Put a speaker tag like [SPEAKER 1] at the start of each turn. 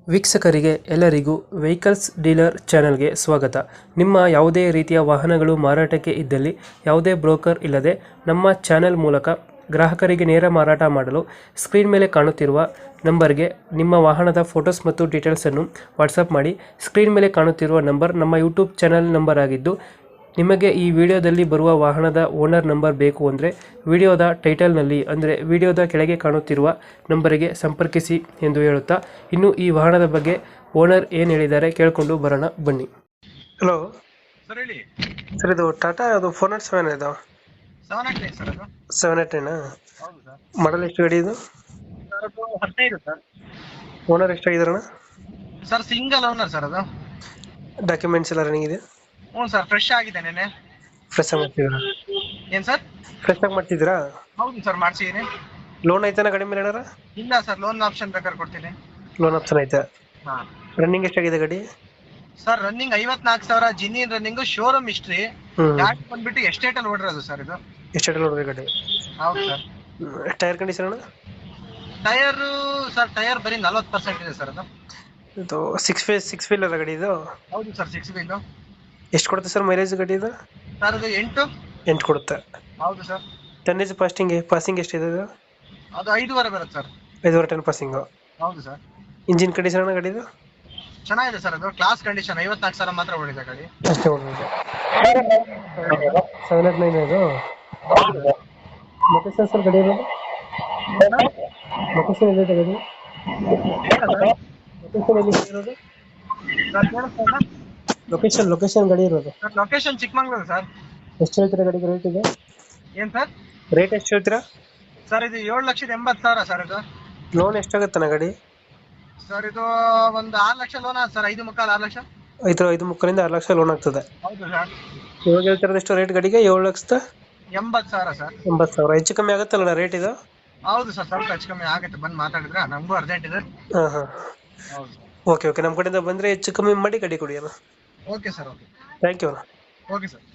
[SPEAKER 1] ವೀಕ್ಷಕರಿಗೆ ಎಲ್ಲರಿಗೂ vehicles dealer ಚಾನೆಲ್ಗೆ ಸ್ವಾಗತ. ನಿಮ್ಮ ಯಾವುದೇ ರೀತಿಯ ವಾಹನಗಳು ಮಾರಾಟಕ್ಕೆ ಇದ್ದಲ್ಲಿ ಯಾವುದೇ ಬ್ರೋಕರ್ ಇಲ್ಲದೆ ನಮ್ಮ ಚಾನೆಲ್ ಮೂಲಕ ಗ್ರಾಹಕರಿಗೆ ನೇರ ಮಾರಾಟ ಮಾಡಲು ಸ್ಕ್ರೀನ್ ಮೇಲೆ ಕಾಣುತ್ತಿರುವ ನಂಬರ್ಗೆ ನಿಮ್ಮ ವಾಹನದ ಫೋಟೋಸ್ ಮತ್ತು ಡೀಟೇಲ್ಸನ್ನು ವಾಟ್ಸಪ್ ಮಾಡಿ. ಸ್ಕ್ರೀನ್ ಮೇಲೆ ಕಾಣುತ್ತಿರುವ ನಂಬರ್ ನಮ್ಮ ಯೂಟ್ಯೂಬ್ ಚಾನೆಲ್ ನಂಬರ್ ಆಗಿದ್ದು, ನಿಮಗೆ ಈ ವಿಡಿಯೋದಲ್ಲಿ ಬರುವ ವಾಹನದ ಓನರ್ ನಂಬರ್ ಬೇಕು ಅಂದರೆ ವಿಡಿಯೋದ ಟೈಟಲ್ನಲ್ಲಿ ಅಂದರೆ ವಿಡಿಯೋದ ಕೆಳಗೆ ಕಾಣುತ್ತಿರುವ ನಂಬರಿಗೆ ಸಂಪರ್ಕಿಸಿ ಎಂದು ಹೇಳುತ್ತಾ, ಇನ್ನು ಈ ವಾಹನದ ಬಗ್ಗೆ ಓನರ್ ಏನು ಹೇಳಿದ್ದಾರೆ ಕೇಳಿಕೊಂಡು ಬರೋಣ ಬನ್ನಿ. ಹಲೋ
[SPEAKER 2] ಸರ್ ಹೇಳಿ.
[SPEAKER 1] ಸರ್, ಇದು ಟಾಟಾ ಅದು 407 ಇದು
[SPEAKER 2] 789 ಸರ್ ಅದು.
[SPEAKER 1] 789
[SPEAKER 2] ಹೌದು ಸರ್.
[SPEAKER 1] ಮಾಡಲ್ ಎಷ್ಟು ಗಾಡಿ ಇದು?
[SPEAKER 2] ಸರ್ ಅದು 15 ಸರ್.
[SPEAKER 1] ಓನರ್ ಎಷ್ಟಾಗಿದಾರಣ?
[SPEAKER 2] ಸರ್ ಸಿಂಗಲ್ ಓನರ್ ಸರ್ ಅದು.
[SPEAKER 1] ಡಾಕ್ಯುಮೆಂಟ್ಸ್ ಎಲ್ಲ ರನ್ನಿಂಗ್ ಇದೆ?
[SPEAKER 2] ಹ್ಞೂ ಸರ್, ಫ್ರೆಶ್ ಆಗಿದೆ ನೆನೆ.
[SPEAKER 1] ಫ್ರೆಶ್ ಆಗಿ ಮಾಡ್ತಿದ್ದೀರಾ?
[SPEAKER 2] ಏನ್ ಸರ್?
[SPEAKER 1] ಫ್ರೆಶ್ ಆಗಿ ಮಾಡ್ತಿದ್ದೀರಾ?
[SPEAKER 2] ಹೌದು ಸರ್, ಮಾಡ್ಸಿದೀನಿ.
[SPEAKER 1] ಲೋನ್ ಐತಾನ ಗಾಡಿ ಮೇಲೆ ಏನಾರ?
[SPEAKER 2] ಇಲ್ಲ ಸರ್, ಲೋನ್ ಆಪ್ಷನ್ ಬೇಕಾದ್ರೆ ಕೊಡ್ತೀನಿ.
[SPEAKER 1] ಲೋನ್ ಆಪ್ಷನ್ ಐತೆ.
[SPEAKER 2] ಹಾ
[SPEAKER 1] ರನ್ನಿಂಗ್ ಎಷ್ಟಾಗಿದೆ ಗಾಡಿ?
[SPEAKER 2] Sir running 54,000 genuine running, showroom history.
[SPEAKER 1] ಹ್ಮ್.
[SPEAKER 2] ಗಾಡಿ ಬಂದ್ಬಿಟ್ಟು ಎಸ್ಟೇಟ್ ಅಲ್ಲಿ ಓಡಿರೋದು ಸರ್ ಇದು.
[SPEAKER 1] ಎಷ್ಟು ನೋಡಿದೆ ಗಾಡಿ?
[SPEAKER 2] ಹೌದು ಸರ್.
[SPEAKER 1] ಟೈರ್ ಕಂಡೀಷನ್ ಅಣ್ಣ?
[SPEAKER 2] ಟೈರ್ ಸರ್, ಟೈರ್ ಬರೀ 40% ಇದೆ ಸರ್ ಅದು.
[SPEAKER 1] ಇದು ಸಿಕ್ಸ್ ವೀಲರ್ ಗಾಡಿ ಇದು?
[SPEAKER 2] ಹೌದು ಸರ್, 6 ವೀಲ್.
[SPEAKER 1] ಎಷ್ಟು ಕೊಡುತ್ತೆ ಸರ್ ಮೈಲೇಜ್ ಗಾಡಿ ಇದು?
[SPEAKER 2] ಸರ್ ಅದು 8.
[SPEAKER 1] 8 ಕೊಡುತ್ತೆ.
[SPEAKER 2] ಹೌದು ಸರ್.
[SPEAKER 1] ಟನ್ನೇಜ್ ಪಾಸಿಂಗ್ ಎಷ್ಟಿದೆ ಇದು?
[SPEAKER 2] ಅದು 5.5 ಬರುತ್ತೆ ಸರ್.
[SPEAKER 1] 5.5 ton passing.
[SPEAKER 2] ಹೌದು ಸರ್.
[SPEAKER 1] ಇಂಜಿನ್ ಕಂಡೀಷನ್ ಅಣ್ಣ ಗಾಡಿದು?
[SPEAKER 2] ಚೆನ್ನಾಗಿದೆ ಸರ್, ಅದು ಕ್ಲಾಸ್ ಕಂಡೀಷನ್. 54,000 ಮಾತ್ರ ಓಡಿದೆ ಗಾಡಿ.
[SPEAKER 1] ಅಷ್ಟೇ ಹೊಡೆದಿದೆ. 789 ಇದು ಲೊಕೇಶನ್ ಸರ್ ಗಾಡಿ ಇರೋದು? ಲೊಕೇಶನ್ ಎಲ್ಲಿದೆ ಗಾಡಿ? ಲೊಕೇಶನ್ ಎಲ್ಲಿ ಇರೋದು? ಲೊಕೇಶನ್ ಗಾಡಿ ಇರೋದು?
[SPEAKER 2] Location Chikmagalur sir.
[SPEAKER 1] ಎಷ್ಟು ಹೇಳ್ತೀರಾ ಗಾಡಿಗೆ ರೇಟ್ ಇದೆ?
[SPEAKER 2] ಏನ್ ಸರ್?
[SPEAKER 1] ರೇಟ್ ಎಷ್ಟು ಹೇಳ್ತೀರಾ?
[SPEAKER 2] ಸರ್ ಇದು 7,80,000 ಸರ್ ಇದು.
[SPEAKER 1] ಲೋನ್ ಎಷ್ಟಾಗುತ್ತಣ್ಣ ಗಾಡಿ?
[SPEAKER 2] ಸರ್ ಇದು ಒಂದು 6 ಲಕ್ಷ ಲೋನ್ ಆದ ಸರ್. 5.25 6 ಲಕ್ಷ.
[SPEAKER 1] 5.5 6 ಲಕ್ಷ ಲೋನ್ ಆಗ್ತದೆ.
[SPEAKER 2] ಹೌದು ಸರ್.
[SPEAKER 1] ಇವಾಗ ಹೇಳ್ತಿರೋದು ಎಷ್ಟು ರೇಟ್ ಗಾಡಿಗೆ?
[SPEAKER 2] 7,80,000 ಸರ್.
[SPEAKER 1] 7,80,000. ಹೆಚ್ಚು ಕಮ್ಮಿ ಆಗುತ್ತಲ್ಲ ರೇಟ್ ಇದು?
[SPEAKER 2] ಹೌದು ಸರ್, ಸ್ವಲ್ಪ ಹೆಚ್ಚು ಕಮ್ಮಿ ಆಗುತ್ತೆ. ಬಂದು ಮಾತಾಡಿದ್ರೆ, ನಮಗೂ ಅರ್ಜೆಂಟ್ ಇದೆ.
[SPEAKER 1] ಹಾಂ.
[SPEAKER 2] ಹೌದು.
[SPEAKER 1] ಓಕೆ, ನಮ್ಮ ಕಡೆಯಿಂದ ಬಂದರೆ ಹೆಚ್ಚು ಕಮ್ಮಿ ಮಾಡಿ ಗಾಡಿ ಕೊಡಿ ಅಣ್ಣ.
[SPEAKER 2] Okay sir. Okay.
[SPEAKER 1] Thank you ಅಣ್ಣ.
[SPEAKER 2] Okay sir.